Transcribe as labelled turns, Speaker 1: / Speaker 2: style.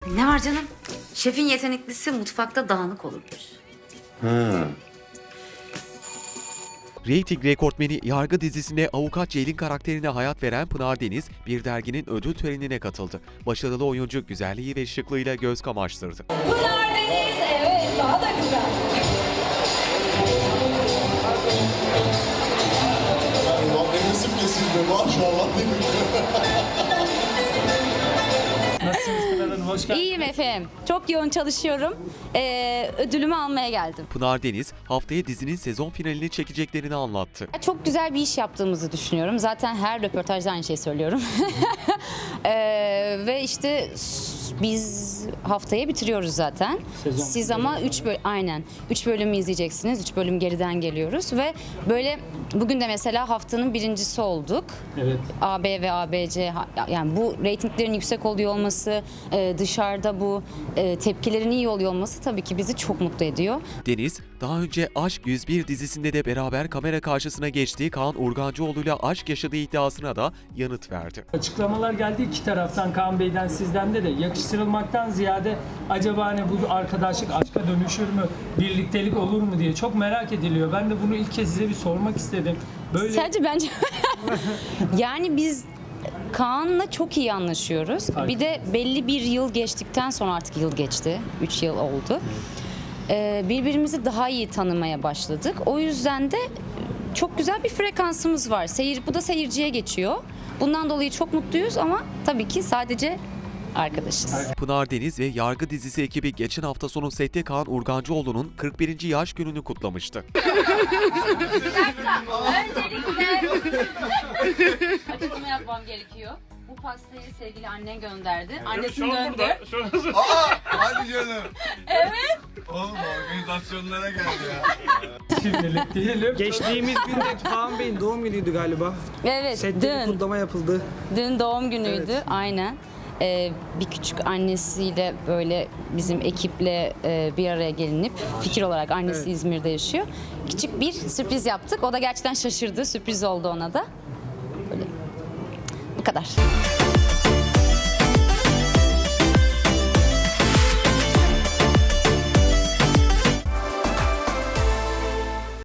Speaker 1: Ne var canım? Şefin yeteneklisi mutfakta dağınık olurmuş.
Speaker 2: Reyting rekortmeni Yargı dizisine avukat Ceylin karakterine hayat veren Pınar Deniz bir derginin ödül törenine katıldı. Başarılı oyuncu güzelliği ve şıklığıyla göz kamaştırdı.
Speaker 3: Pınar Deniz, evet, daha da güzel.
Speaker 4: Benim isim kesildi maşallah.
Speaker 5: Nasılsınız Pınar Hanım? Hoş geldiniz.
Speaker 6: İyiyim efendim. Çok yoğun çalışıyorum. Ödülümü almaya geldim.
Speaker 2: Pınar Deniz haftaya dizinin sezon finalini çekeceklerini anlattı.
Speaker 6: Çok güzel bir iş yaptığımızı düşünüyorum. Zaten her röportajda aynı şeyi söylüyorum. Ve işte biz haftaya bitiriyoruz zaten.
Speaker 5: Sezon
Speaker 6: Siz ama 3 bölümü izleyeceksiniz. 3 bölüm geriden geliyoruz ve böyle bugün de mesela haftanın birincisi olduk.
Speaker 5: Evet.
Speaker 6: AB ve ABC, yani bu reytinglerin yüksek oluyor olması, dışarıda bu tepkilerin iyi oluyor olması tabii ki bizi çok mutlu ediyor.
Speaker 2: Deniz, daha önce Aşk 101 dizisinde de beraber kamera karşısına geçtiği Kaan Urgancıoğlu'yla aşk yaşadığı iddiasına da yanıt verdi.
Speaker 5: Açıklamalar geldi iki taraftan, Kaan Bey'den, sizden de yakıştırılmaktan ziyade acaba hani bu arkadaşlık aşka dönüşür mü, birliktelik olur mu diye çok merak ediliyor. Ben de bunu ilk kez size bir sormak istedim. Böyle
Speaker 6: Sadece bence yani biz Kaan'la çok iyi anlaşıyoruz.
Speaker 5: Harika.
Speaker 6: Bir de belli bir yıl geçtikten sonra, artık yıl geçti. 3 yıl oldu. Birbirimizi daha iyi tanımaya başladık. O yüzden de çok güzel bir frekansımız var. Bu da seyirciye geçiyor. Bundan dolayı çok mutluyuz ama tabii ki sadece arkadaşız.
Speaker 2: Pınar Deniz ve Yargı dizisi ekibi geçen hafta sonu sette Kaan Urgancıoğlu'nun 41. yaş gününü kutlamıştı.
Speaker 6: Açıklama yapmam gerekiyor. Bu pastayı sevgili annen gönderdi. Annesinin döndü.
Speaker 4: Hadi canım. Evet. Oğlum organizasyonlara geldi ya.
Speaker 5: şimdilik diyelim.
Speaker 7: Geçtiğimiz günde Kaan Bey'in doğum günüydü galiba.
Speaker 6: Evet,
Speaker 7: Sette bir kutlama yapıldı.
Speaker 6: Dün doğum günüydü,
Speaker 7: Evet.
Speaker 6: aynen. Bir küçük annesiyle böyle bizim ekiple bir araya gelinip fikir olarak annesi
Speaker 7: Evet.
Speaker 6: İzmir'de yaşıyor. Küçük bir sürpriz yaptık. O da gerçekten şaşırdı. Sürpriz oldu ona da. Böyle. Bu kadar.